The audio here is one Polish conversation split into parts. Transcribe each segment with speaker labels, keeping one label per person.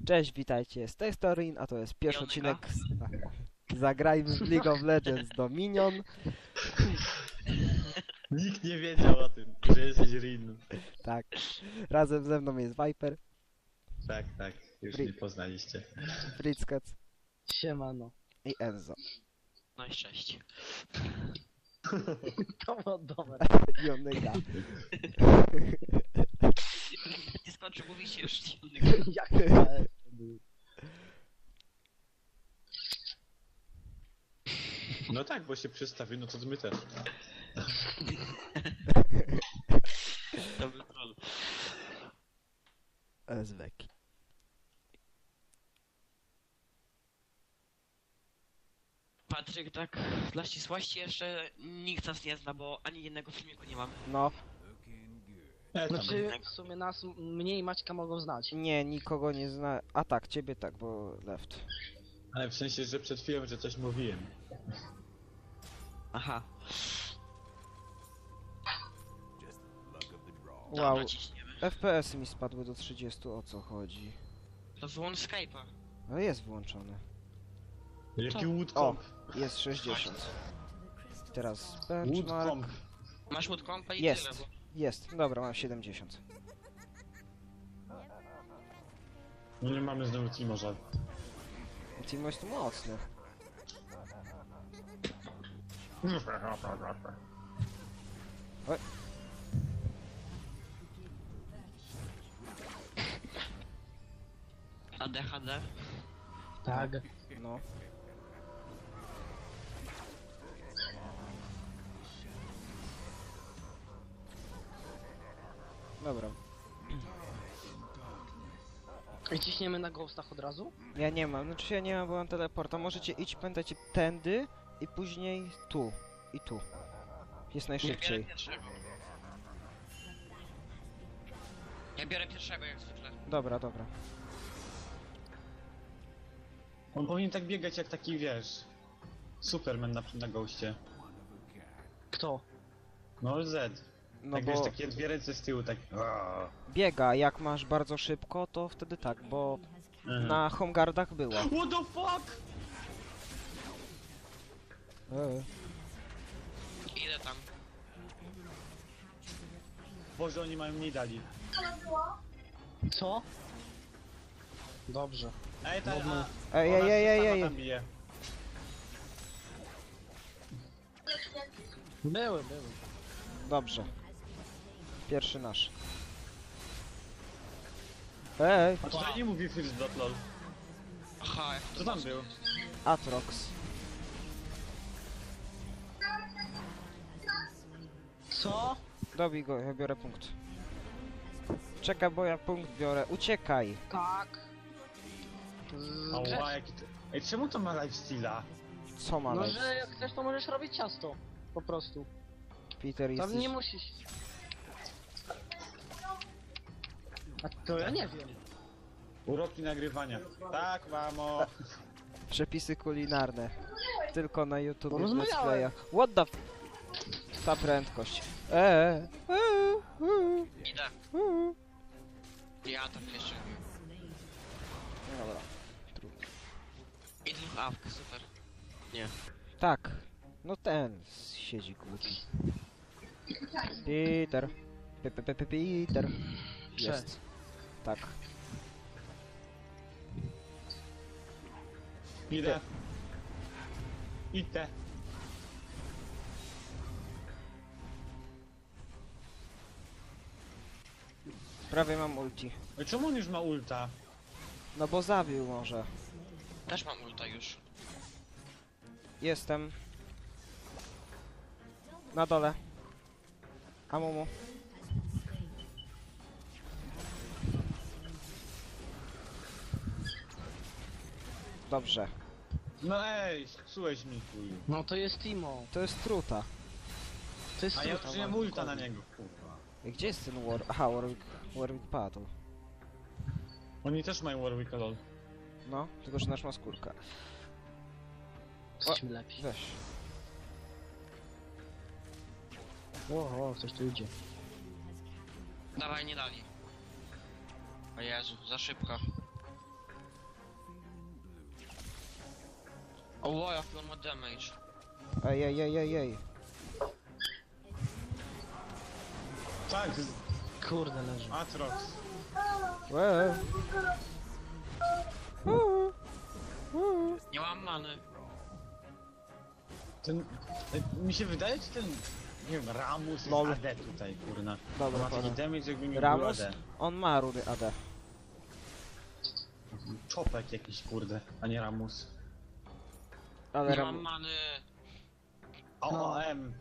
Speaker 1: Cześć, witajcie, z tej strony, a to jest pierwszy odcinek Zagrajmy w League of Legends Dominion.
Speaker 2: Nikt nie wiedział o tym, że jesteś Rin.
Speaker 1: Tak, razem ze mną jest Viper,
Speaker 2: Tak, tak, już mnie poznaliście.
Speaker 1: Fritzkec
Speaker 3: Siemano.
Speaker 1: i Enzo.
Speaker 4: No i cześć.
Speaker 3: To było dobre.
Speaker 1: I Onyga.
Speaker 4: Nie skończy mówić już.
Speaker 3: Jak to był?
Speaker 2: No tak, bo się przedstawił, no to my też.
Speaker 4: To był troll.
Speaker 1: Zweki.
Speaker 4: Patryk, tak dla ścisłości jeszcze nikt nas nie zna, bo ani jednego filmiku nie mamy.
Speaker 1: No,
Speaker 3: Znaczy, w sumie nas mnie i Maćka mogą znać.
Speaker 1: nie, nikogo nie zna. A tak, ciebie tak, bo left.
Speaker 2: Ale w sensie, że przed chwilą, że coś mówiłem.
Speaker 4: Aha.
Speaker 1: Wow,
Speaker 4: Dobra, ciśniemy.
Speaker 1: FPS mi spadły do 30, o co chodzi?
Speaker 4: To wyłącz Skype'a.
Speaker 1: No jest włączony.
Speaker 2: Jaki
Speaker 1: O,
Speaker 2: woodcomb?
Speaker 1: jest 60. Teraz benchmark.
Speaker 2: Woodcomb.
Speaker 4: Masz łódkompa i
Speaker 1: Jest.
Speaker 4: tyle, bo...
Speaker 1: Jest, dobra, mam 70.
Speaker 2: No nie mamy znowu Timorza.
Speaker 1: Timo jest tu mocny. Oj.
Speaker 4: ADHD.
Speaker 3: Tak.
Speaker 1: No. Dobra.
Speaker 3: I ciśniemy na ghostach od razu?
Speaker 1: Ja nie mam, znaczy ja nie mam, bo mam teleporta. Możecie iść, pamiętajcie, tędy i później tu. I tu. Jest
Speaker 4: Ja biorę
Speaker 1: najszybciej.
Speaker 4: pierwszego. Ja biorę pierwszego jak zwykle.
Speaker 1: Dobra, dobra.
Speaker 2: On powinien tak biegać jak taki, wiesz... Superman na goście.
Speaker 3: Kto?
Speaker 2: No Z.
Speaker 1: No
Speaker 2: Tak
Speaker 1: bo
Speaker 2: wiesz, takie dwie ręce z tyłu, tak...
Speaker 1: biega, jak masz bardzo szybko, to wtedy tak, bo
Speaker 2: Mhm.
Speaker 1: na homeguardach była.
Speaker 2: What the fuck?
Speaker 4: Idę tam.
Speaker 2: Boże, oni mają mniej dali.
Speaker 3: Co? Dobrze.
Speaker 2: Ej, ta...
Speaker 3: Dobra.
Speaker 1: Ej, ej, ej, ej, ej.
Speaker 2: tam bije.
Speaker 3: Były.
Speaker 1: Dobrze. Pierwszy nasz. Ej,
Speaker 2: A tutaj nie mówi First Blood, lol.
Speaker 4: Aha, jak
Speaker 2: Co tam był?
Speaker 1: Atrox.
Speaker 3: Co?
Speaker 1: Dobij go, ja biorę punkt. Czekaj, bo ja punkt biorę. Uciekaj.
Speaker 3: Tak.
Speaker 2: Ała, jaki to... Ej, czemu to ma lifesteala?
Speaker 1: Co ma
Speaker 3: No,
Speaker 1: lec?
Speaker 3: że jak chcesz, to możesz robić ciasto. Po prostu.
Speaker 1: Peter
Speaker 3: Tam
Speaker 1: jesteś...
Speaker 3: nie musisz. A to ja nie wiem.
Speaker 2: Uroki nagrywania. Tak, mamo.
Speaker 1: Przepisy kulinarne. Tylko na YouTube
Speaker 3: No
Speaker 1: w
Speaker 3: rozmawiałem.
Speaker 1: Let's Playach. What the f... Ta prędkość.
Speaker 4: idę. Ja tam jeszcze.
Speaker 1: Dobra. Trudno.
Speaker 4: I dwóch awk, super. Nie.
Speaker 1: Tak. No ten siedzi głupi. Peter. Peter. Jest. Tak.
Speaker 2: Idę. Idę.
Speaker 1: Prawie mam ulti.
Speaker 2: Ej, czemu on już ma ulta?
Speaker 1: No bo zabił może.
Speaker 4: Też mam ulta już.
Speaker 1: Jestem. Na dole. Amumu. Dobrze.
Speaker 2: No ej, psułeś mi chuj.
Speaker 3: No to jest Timo.
Speaker 1: To jest truta.
Speaker 3: To jest
Speaker 2: A ja
Speaker 3: truta,
Speaker 2: użyłem
Speaker 3: mam
Speaker 2: ulta na
Speaker 3: dokładnie.
Speaker 2: niego, kurwa.
Speaker 1: I gdzie jest ten War... Aha, Warwick Battle.
Speaker 2: Oni też mają Warwicka, lol.
Speaker 1: No, tylko że nasz ma skórkę.
Speaker 3: Jesteśmy lepiej.
Speaker 1: Weź.
Speaker 3: O, coś tu idzie.
Speaker 4: Dawaj, nie dali. O Jezu, za szybko. O, jaki on ma damage.
Speaker 1: Ej, ej, ej, ej, ej.
Speaker 2: Tak,
Speaker 3: Kurde, leży.
Speaker 2: Atrox.
Speaker 1: Łe.
Speaker 4: Nie mam many.
Speaker 2: Ten... Mi się wydaje, czy ten... Nie wiem, Ramus
Speaker 1: Lol.
Speaker 2: jest AD tutaj, kurna.
Speaker 1: Dobra,
Speaker 2: Ma taki
Speaker 1: pana.
Speaker 2: damage, jakby mi
Speaker 1: Ramus?
Speaker 2: był AD.
Speaker 1: On ma rudy AD.
Speaker 2: Czopek jakiś, kurde, a nie Ramus.
Speaker 1: Ale
Speaker 4: Nie mam
Speaker 1: Ram...
Speaker 4: many.
Speaker 2: OOM.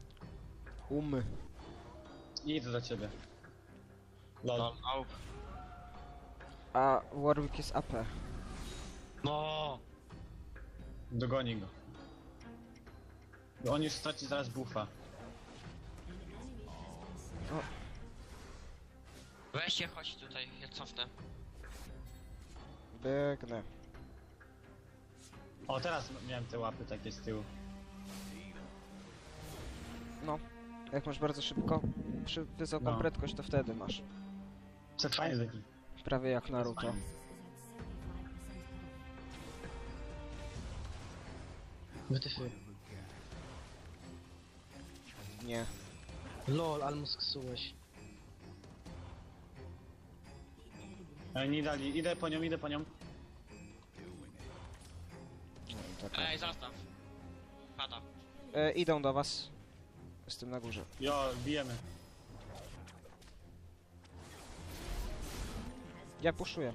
Speaker 2: Idę do ciebie. Lol.
Speaker 4: Au.
Speaker 1: A Warwick jest AP.
Speaker 4: No.
Speaker 2: Dogoni go. Bo on już straci zaraz buffa.
Speaker 4: Weź się, chodź tutaj, ja cofnę.
Speaker 1: Biegnę.
Speaker 2: O, teraz miałem te łapy takie z tyłu.
Speaker 1: No. Jak masz bardzo szybko, wysoką
Speaker 2: No.
Speaker 1: prędkość, to wtedy masz.
Speaker 2: Co fajny taki.
Speaker 1: Prawie jak Naruto.
Speaker 3: Wytyfy.
Speaker 1: Nie.
Speaker 3: Lol, ale mu sksułeś.
Speaker 2: Ale nie dali, idę po nią, idę po nią.
Speaker 1: No, taka.
Speaker 4: Ej, zastaw. Pada.
Speaker 1: Idą do was. Jestem na górze.
Speaker 2: Jo, bijemy.
Speaker 1: Ja puszuję.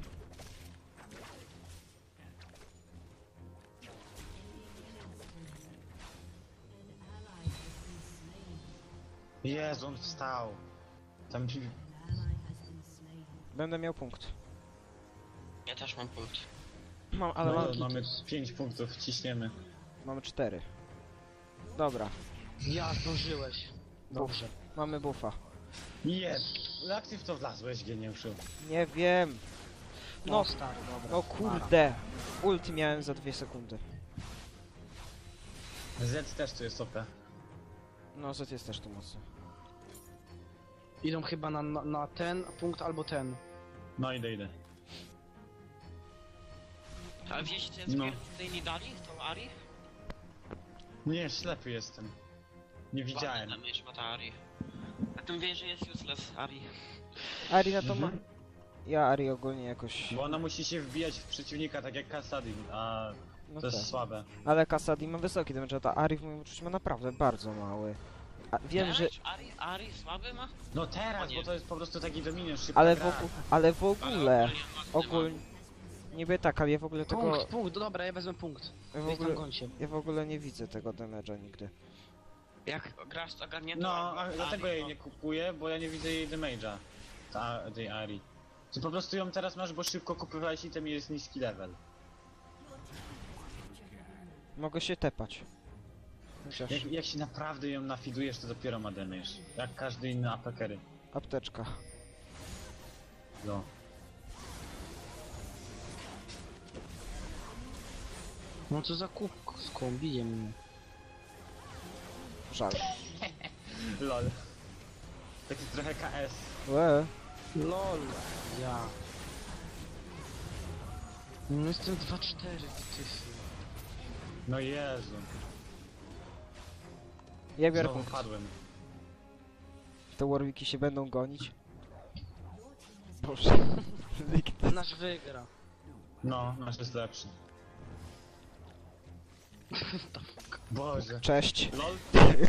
Speaker 2: Jezu, on wstał. Tam ci...
Speaker 1: Będę miał punkt.
Speaker 4: Ja też mam punkt.
Speaker 1: Mam, ale
Speaker 2: No,
Speaker 1: mam,
Speaker 2: mamy 5 punktów, ciśniemy.
Speaker 1: mamy 4. Dobra,
Speaker 3: Ja zdążyłeś. Dobrze.
Speaker 1: mamy buffa.
Speaker 2: Jest! Jak ty w to wlazłeś, geniuszu?
Speaker 1: Nie wiem.
Speaker 3: No
Speaker 1: No,
Speaker 3: stary, dobra.
Speaker 1: no kurde. Ulti miałem za 2 sekundy.
Speaker 2: Z też tu jest OP.
Speaker 1: No, Z jest też tu mocno.
Speaker 3: Idą chyba na ten punkt albo ten.
Speaker 2: No idę.
Speaker 4: Ale wiecie co
Speaker 2: No.
Speaker 4: jest tutaj nie dali? Tą Ari?
Speaker 2: Nie, ślepy jestem. Nie widziałem.
Speaker 4: Na mysz ma ta Ari. A ty mówisz, że jest useless Ari.
Speaker 1: Ari na to ma...
Speaker 2: Mhm.
Speaker 1: Ja Ari ogólnie jakoś...
Speaker 2: Bo ona musi się wbijać w przeciwnika, tak jak Kassadin, a
Speaker 1: No
Speaker 2: to jest
Speaker 1: tak.
Speaker 2: słabe.
Speaker 1: Ale Kasadi ma wysoki damage, a ta Ari w moim uczuciu ma naprawdę bardzo mały. A wiem, że...
Speaker 4: Ari słaby ma?
Speaker 2: No teraz,
Speaker 4: O nie.
Speaker 2: bo to jest po prostu taki dominion, szybka
Speaker 1: Ale
Speaker 2: gra.
Speaker 1: ale w ogóle...
Speaker 4: mocny
Speaker 1: Ogólnie... Niby tak, ale ja w ogóle tego...
Speaker 3: Punkt, dobra, ja wezmę punkt.
Speaker 1: Ja w
Speaker 3: Weź tam
Speaker 1: ogóle,
Speaker 3: gońcie.
Speaker 1: ja w ogóle nie widzę tego damage'a nigdy.
Speaker 4: mam. Jak grasz to ogarniętą
Speaker 2: No,
Speaker 4: albo
Speaker 2: a
Speaker 4: Ari,
Speaker 2: dlatego jej
Speaker 4: to-
Speaker 2: nie kupuję, bo ja nie widzę jej damage'a. Tej Ari. Ty po prostu ją teraz masz, bo szybko kupowałeś item i jest niski level.
Speaker 1: Mogę się tepać. Chociaż...
Speaker 2: Jak się naprawdę ją nafidujesz, to dopiero ma damage. Jak każdy inny apekery.
Speaker 1: Apteczka.
Speaker 2: No.
Speaker 3: No co za kubką, bije mnie.
Speaker 1: Żal.
Speaker 2: Lol. Taki trochę KS.
Speaker 1: Łe.
Speaker 3: Lol. Ja. No jestem 2-4, wytyfy.
Speaker 2: No Jezu.
Speaker 1: Ja biorę
Speaker 2: Znowu
Speaker 1: punkt.
Speaker 2: padłem.
Speaker 1: Te Warwicki się będą gonić. Boże. Nikt...
Speaker 3: Nasz wygra.
Speaker 2: No, nasz jest lepszy. Boże.
Speaker 1: Cześć.
Speaker 2: LOL.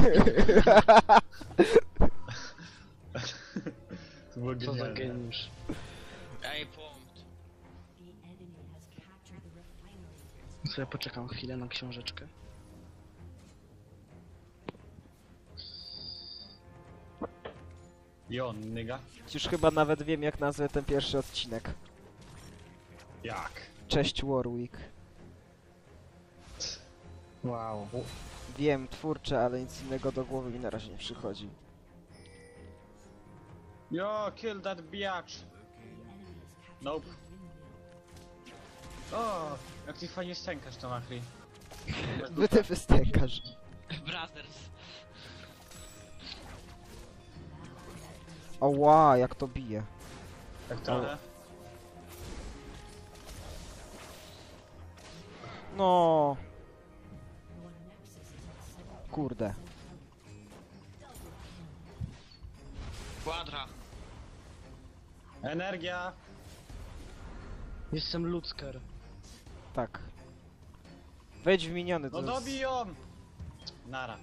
Speaker 2: To było
Speaker 3: Co za
Speaker 2: genialne.
Speaker 3: geniusz.
Speaker 4: Ej, punkt.
Speaker 3: Sobie poczekam chwilę na książeczkę.
Speaker 2: Jo, nyga?
Speaker 1: Już chyba nawet wiem, jak nazwę ten pierwszy odcinek.
Speaker 2: Jak?
Speaker 1: Cześć Warwick.
Speaker 3: Wow.
Speaker 1: Wiem, twórcze, ale nic innego do głowy mi na razie nie przychodzi.
Speaker 2: Yo, kill that biatch! Nope. O, jak ty fajnie stękasz to Machri.
Speaker 1: Ty wystękasz.
Speaker 4: Brothers.
Speaker 1: Oła, jak to bije.
Speaker 2: Tak trochę.
Speaker 1: No. Kurde.
Speaker 4: Quadra.
Speaker 2: Energia!
Speaker 3: Jestem Lutzker.
Speaker 1: Tak. Wejdź w miniony,
Speaker 2: No
Speaker 1: to
Speaker 2: dobij ją! Nara.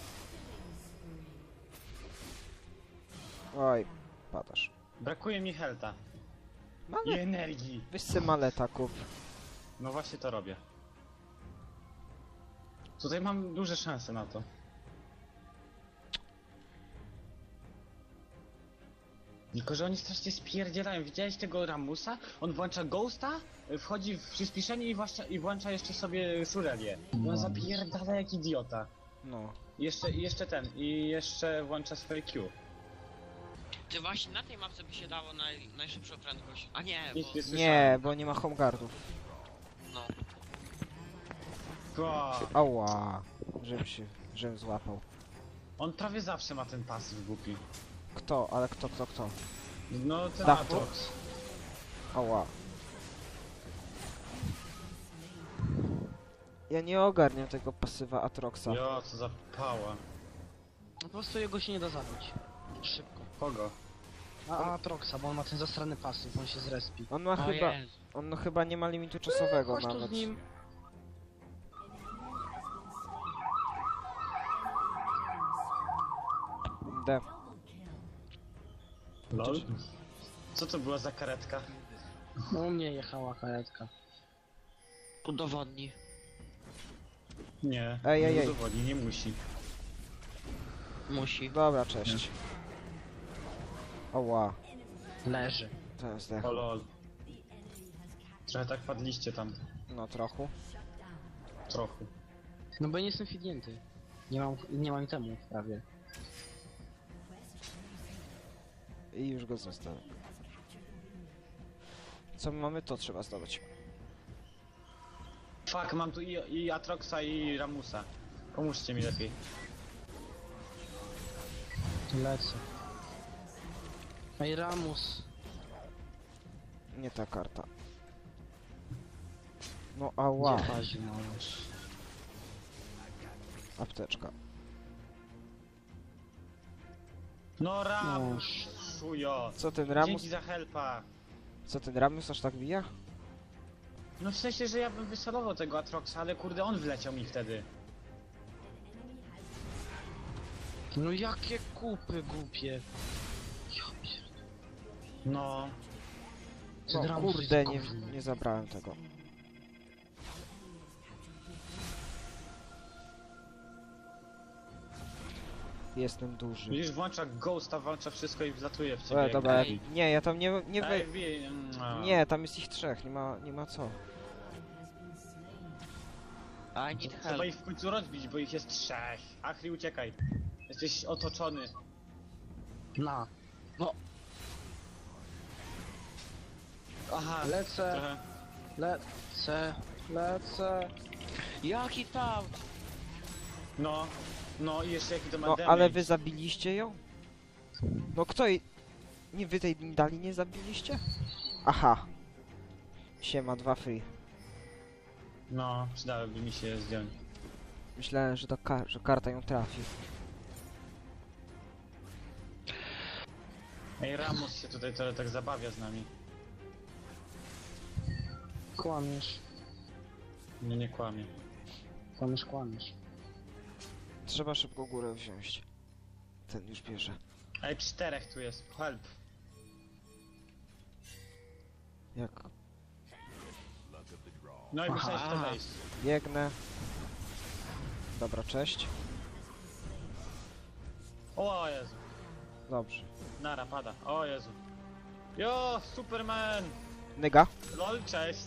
Speaker 1: Oj, padasz.
Speaker 2: Brakuje mi helta. I
Speaker 1: Malet.
Speaker 2: energii.
Speaker 1: Weź se maleta kup.
Speaker 2: No właśnie to robię. Tutaj mam duże szanse na to. Tylko, że oni strasznie spierdzielają. Widziałeś tego Ramusa? On włącza Ghosta, wchodzi w przyspieszenie i włącza jeszcze sobie Shurelię. I on zapierdala jak idiota.
Speaker 1: No.
Speaker 2: I jeszcze włącza swoje Q.
Speaker 4: Ty właśnie na tej mapce by się dało najszybszą prędkość. A nie,
Speaker 2: Nic
Speaker 4: bo...
Speaker 2: nie
Speaker 1: Nie,
Speaker 2: słyszałem.
Speaker 1: bo nie ma homeguardów.
Speaker 4: No.
Speaker 2: Ła.
Speaker 1: Ała. Żebym złapał.
Speaker 2: On prawie zawsze ma ten pasyw głupi.
Speaker 1: Kto? Ale kto?
Speaker 2: No ten
Speaker 1: Dachu?
Speaker 2: Aatrox.
Speaker 1: Ała. Ja nie ogarniam tego pasywa Atroxa.
Speaker 2: Jo, co za pała.
Speaker 3: No po prostu jego się nie da zabić. Szybko.
Speaker 2: Kogo?
Speaker 3: A Troxa, bo on ma ten zastrany pasyw, on się zrespi.
Speaker 1: On ma
Speaker 4: O
Speaker 1: chyba...
Speaker 4: Jezu.
Speaker 1: On no chyba nie ma limitu czasowego
Speaker 3: Chodź tu
Speaker 1: nawet.
Speaker 3: z nim.
Speaker 1: D.
Speaker 2: Lol. Co to była za karetka?
Speaker 3: No u mnie jechała karetka.
Speaker 4: Udowodni.
Speaker 2: Nie,
Speaker 1: Ej, ej,
Speaker 2: nie
Speaker 1: ej.
Speaker 2: udowodni, nie musi.
Speaker 4: Musi.
Speaker 1: Dobra, cześć. Ała.
Speaker 3: Leży.
Speaker 1: To jest
Speaker 2: O
Speaker 1: dech.
Speaker 2: lol. Trochę tak padliście tam.
Speaker 1: No trochę.
Speaker 2: Trochę.
Speaker 3: No bo nie jestem fidnięty. Nie mam temu prawie.
Speaker 1: I już go zostawię. Co my mamy, to trzeba zdobyć.
Speaker 2: Fuck, mam tu i Atroxa i Ramusa. Pomóżcie mi lepiej.
Speaker 3: Lecę. Ej, Ramus.
Speaker 1: Nie ta karta. No ała.
Speaker 3: Gdzie Haziu masz?
Speaker 1: Apteczka.
Speaker 2: No Ramus, szujo.
Speaker 1: Co ten Ramus?
Speaker 2: Dzięki za helpa.
Speaker 1: Co ten Ramus aż tak bija?
Speaker 2: No w sensie, że ja bym wysolował tego Atroxa, ale kurde on wleciał mi wtedy.
Speaker 3: No jakie kupy głupie. Ja pierdolę.
Speaker 2: No.
Speaker 3: Ten
Speaker 1: No
Speaker 3: Ramus
Speaker 1: kurde,
Speaker 3: jest gówno.
Speaker 1: nie zabrałem tego. Jestem duży.
Speaker 2: Widzisz, włącza Ghosta, włącza wszystko i wlatuje w ciebie. jak
Speaker 1: Dobra,
Speaker 2: głupi.
Speaker 1: nie, ja tam nie
Speaker 2: Ej,
Speaker 1: wej... Nie, tam jest ich trzech, nie ma co.
Speaker 4: I need
Speaker 2: Trzeba
Speaker 4: help.
Speaker 2: ich w końcu rozbić, bo ich jest trzech. Achri, uciekaj. Jesteś otoczony.
Speaker 3: Na.
Speaker 2: Aha,
Speaker 3: Lecę,
Speaker 2: trochę.
Speaker 3: lecę.
Speaker 4: Jaki tam?
Speaker 2: No i jeszcze jaki to ma
Speaker 1: No,
Speaker 2: damage.
Speaker 1: ale wy zabiliście ją? No kto jej... Nie, wy tej dali nie zabiliście? Aha. Siema, 2 free.
Speaker 2: No, przydałoby mi się zdjąć.
Speaker 1: Myślałem, że, że karta ją trafi.
Speaker 2: Ej, Ramus się tutaj trochę tak zabawia z nami.
Speaker 3: Kłamiesz.
Speaker 2: Nie kłamie.
Speaker 3: Kłamiesz.
Speaker 1: Trzeba szybko górę wziąć. Ten już bierze.
Speaker 2: Ej, czterech tu jest, help.
Speaker 1: Jak
Speaker 2: No i musiałeś w to wejść.
Speaker 1: biegnę. Dobra, cześć.
Speaker 2: O Jezu.
Speaker 1: Dobrze.
Speaker 2: Nara, pada. O Jezu. Jo, Superman!
Speaker 1: Nyga.
Speaker 2: Lol, cześć.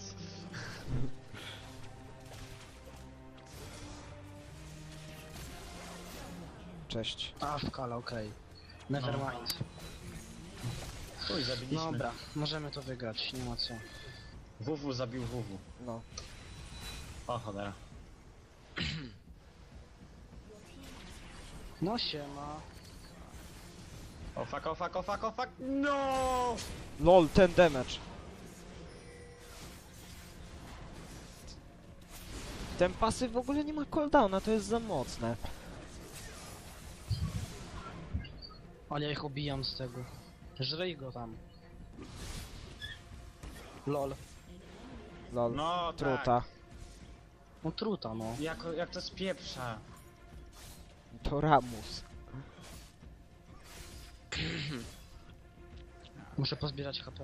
Speaker 1: Cześć.
Speaker 3: A, w kala, okej. Nevermind.
Speaker 2: Uj, zabiliśmy.
Speaker 3: Dobra, możemy to wygrać, nie ma co.
Speaker 2: WW zabił WW.
Speaker 1: No.
Speaker 2: O cholera.
Speaker 3: No siema.
Speaker 2: O fuck, o fuck, o fuck, o fuck. No!
Speaker 1: LOL, ten damage. Ten pasyw w ogóle nie ma cooldowna, to jest za mocne.
Speaker 3: Ale ja ich obijam z tego. Żryj go tam. Lol.
Speaker 1: Lol.
Speaker 2: No
Speaker 1: Truta.
Speaker 2: tak.
Speaker 3: No truta, no.
Speaker 2: Jak to spieprza.
Speaker 1: To Ramus.
Speaker 3: Muszę pozbierać HP.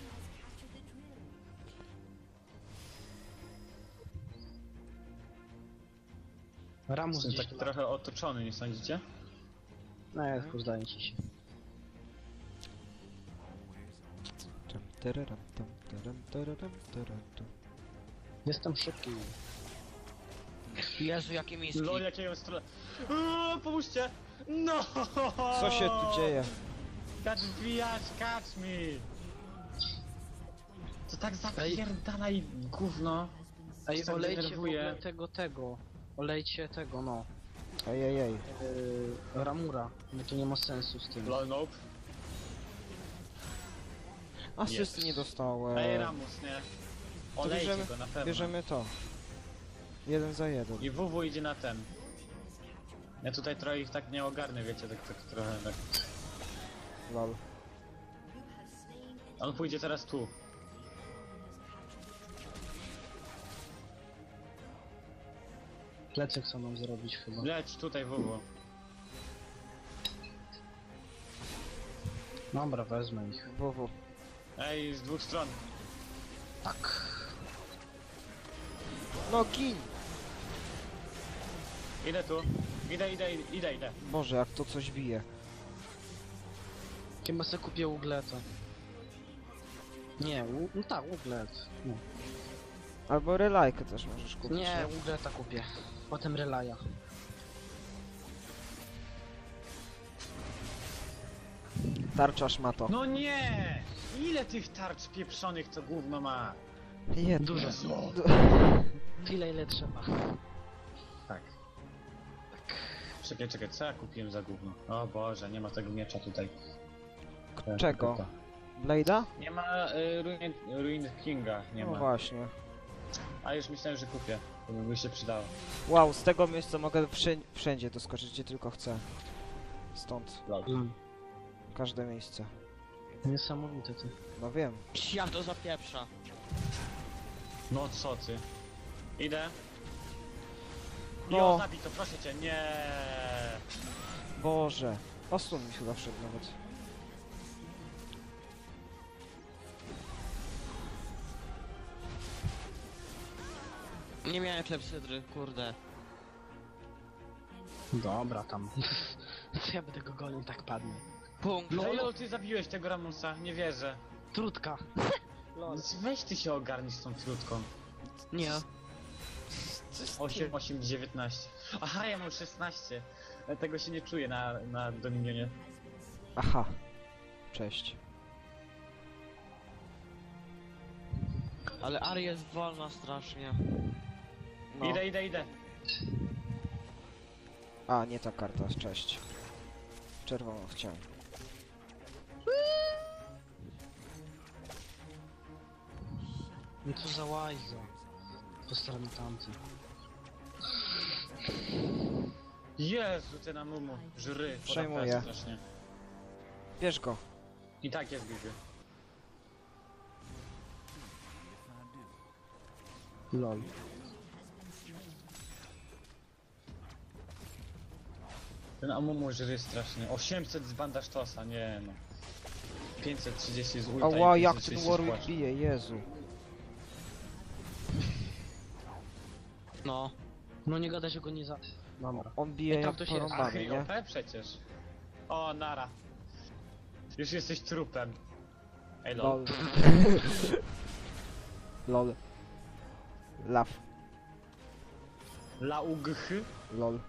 Speaker 3: Ramus
Speaker 2: Jestem
Speaker 3: gdzieś
Speaker 2: taki
Speaker 3: tu
Speaker 2: trochę otoczony, nie sądzicie?
Speaker 3: No ja tylko zdaje ci się.
Speaker 1: Tam, tararam, tam, taram, tararam, taram, tam.
Speaker 3: Jestem szybki.
Speaker 4: Jezu, jakie miski.
Speaker 2: Lol, jakiego stronę. Pomóżcie! No!
Speaker 1: Co się tu dzieje?
Speaker 2: Kacz wbijać, kacz mi! To tak zapierdalaj gówno.
Speaker 3: Ej,
Speaker 2: Się tak
Speaker 3: olejcie w
Speaker 2: denerwuje.
Speaker 3: ogóle tego. Olejcie tego, no.
Speaker 1: Ejejej.
Speaker 3: Ramura. No to nie ma sensu z tym.
Speaker 2: Lol, nope.
Speaker 1: Asysty nie dostałem.
Speaker 2: Ej, Ramus, nie? Olejcie
Speaker 1: bierzemy-
Speaker 2: go na pewno.
Speaker 1: Bierzemy to. 1 za 1.
Speaker 2: I WW idzie na ten. Ja tutaj trochę ich tak nie ogarnę, wiecie, tak trochę tak.
Speaker 1: Lol.
Speaker 2: On pójdzie teraz tu.
Speaker 3: Plecy chcą nam zrobić chyba.
Speaker 2: Leć tutaj WW.
Speaker 3: Dobra, wezmę ich.
Speaker 1: WW.
Speaker 2: Ej, z dwóch stron.
Speaker 3: Tak.
Speaker 1: No gin!
Speaker 2: Idę tu. Idę.
Speaker 1: Boże, jak to coś bije.
Speaker 3: Chyba sobie kupię ugleta. Nie, no tak, uglet. No.
Speaker 1: Albo relajkę też możesz kupić.
Speaker 3: Nie, ugleta kupię. Potem relaja.
Speaker 1: Tarczasz ma to.
Speaker 2: No nie! Ile tych tarcz pieprzonych to gówno ma?
Speaker 1: Jedno.
Speaker 3: Dużo. Tyle ile trzeba.
Speaker 2: Tak. Czekaj, co ja kupiłem za gówno? O Boże, nie ma tego miecza tutaj.
Speaker 1: Czego? Blade'a?
Speaker 2: Nie ma Ruin Kinga, nie
Speaker 1: No
Speaker 2: ma.
Speaker 1: właśnie.
Speaker 2: A już myślałem, że kupię. To by mi się przydało.
Speaker 1: Wow, z tego miejsca mogę wszędzie doskoczyć, gdzie tylko chcę. Stąd.
Speaker 3: Mm.
Speaker 1: Każde miejsce.
Speaker 3: Niesamowite ty.
Speaker 1: No wiem.
Speaker 4: Ja to zapieprza.
Speaker 2: No co ty? Idę.
Speaker 1: No.
Speaker 2: Jo, zabij to, proszę cię, nie.
Speaker 1: Boże. Osłon mi chyba wszedł nawet.
Speaker 4: Nie miałem klepsydry, kurde.
Speaker 3: Dobra, tam. Co ja będę go gonił, tak padnie.
Speaker 4: Punkt.
Speaker 2: Lol, ty zabiłeś tego Ramusa, nie wierzę.
Speaker 3: Trutka. Lol.
Speaker 2: Weź ty się ogarnij z tą trutką.
Speaker 3: Nie.
Speaker 2: 8, 19. Aha, ja mam 16. Tego się nie czuję na Dominionie.
Speaker 1: Aha. Cześć.
Speaker 4: Ale Ari jest wolna strasznie.
Speaker 1: No.
Speaker 2: Idę.
Speaker 1: A, nie ta karta, cześć. Czerwoną chciałem.
Speaker 3: No co za łajzo. Po stronie tamty.
Speaker 2: Jezu, ty na mumu. Żry.
Speaker 1: Przejmuję.
Speaker 2: Strasznie.
Speaker 1: Bierz go.
Speaker 2: I tak jest Bibi.
Speaker 3: Lol.
Speaker 2: Ten Amumu żry strasznie. 800 z bandasztosa, nie no. 530 z ulta
Speaker 1: Ała,
Speaker 2: i
Speaker 1: jak ten
Speaker 2: 530 z
Speaker 1: Warwick
Speaker 2: płaszcza.
Speaker 1: bije, Jezu.
Speaker 4: No.
Speaker 3: No nie gadaj, że go nie za... Dobra.
Speaker 1: On bije
Speaker 3: I tam
Speaker 1: jak
Speaker 3: to się jest.
Speaker 2: Ach,
Speaker 1: porąbany,
Speaker 2: i
Speaker 1: nie?
Speaker 2: OP przecież. O, nara. Już jesteś trupem. Ej, lol.
Speaker 1: Lol. Lol. Law.
Speaker 2: Laugh.
Speaker 1: Lol.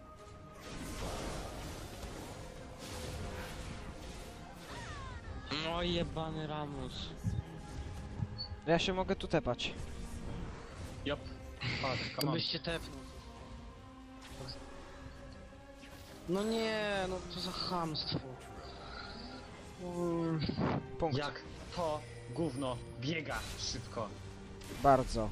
Speaker 4: No jebany Ramus.
Speaker 1: Ja się mogę tu tepać.
Speaker 2: Jop. Chodź,
Speaker 3: To
Speaker 2: come on.
Speaker 3: byście tepnął. No nie, no to za chamstwo.
Speaker 1: Punkt.
Speaker 2: Jak to gówno biega szybko.
Speaker 1: Bardzo.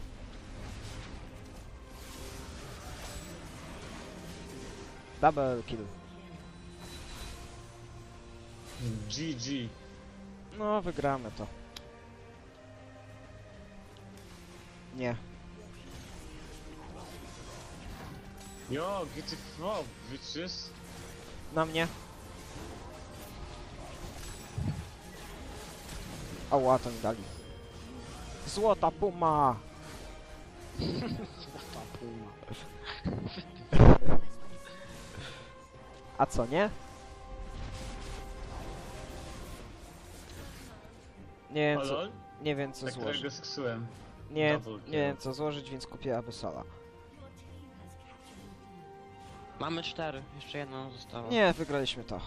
Speaker 1: Double kill.
Speaker 2: GG.
Speaker 1: No, wygramy to. Nie.
Speaker 2: Yo, get the fuck, bitches.
Speaker 1: Na mnie. Ała, to mi dali. Złota puma!
Speaker 3: Złota puma.
Speaker 1: A co, nie? Nie wiem co,
Speaker 2: Lol?
Speaker 1: nie wiem co
Speaker 2: Tak
Speaker 1: złożyć.
Speaker 2: którego sksułem.
Speaker 1: Nie,
Speaker 2: Double
Speaker 1: nie wiem
Speaker 2: kill.
Speaker 1: co złożyć, więc kupię Abyssala.
Speaker 4: Mamy 4, jeszcze jedna została.
Speaker 1: Nie, wygraliśmy to.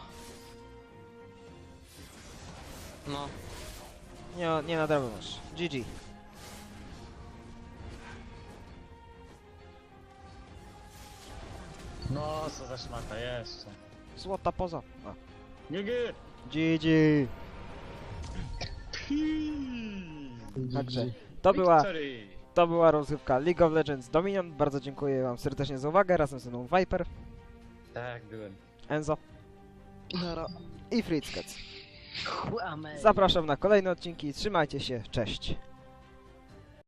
Speaker 4: No.
Speaker 1: Nie nadrabiasz. GG.
Speaker 2: No, co za szmata, jeszcze.
Speaker 1: Złota poza. A.
Speaker 2: GG!
Speaker 1: GG. Także
Speaker 2: Victory!
Speaker 1: to była rozgrywka League of Legends Dominion. Bardzo dziękuję wam serdecznie za uwagę. Razem ze mną Viper,
Speaker 2: Tak, byłem.
Speaker 1: Enzo
Speaker 3: Nara.
Speaker 1: i Fritzkec.
Speaker 3: Chłamy.
Speaker 1: Zapraszam na kolejne odcinki. Trzymajcie się. Cześć.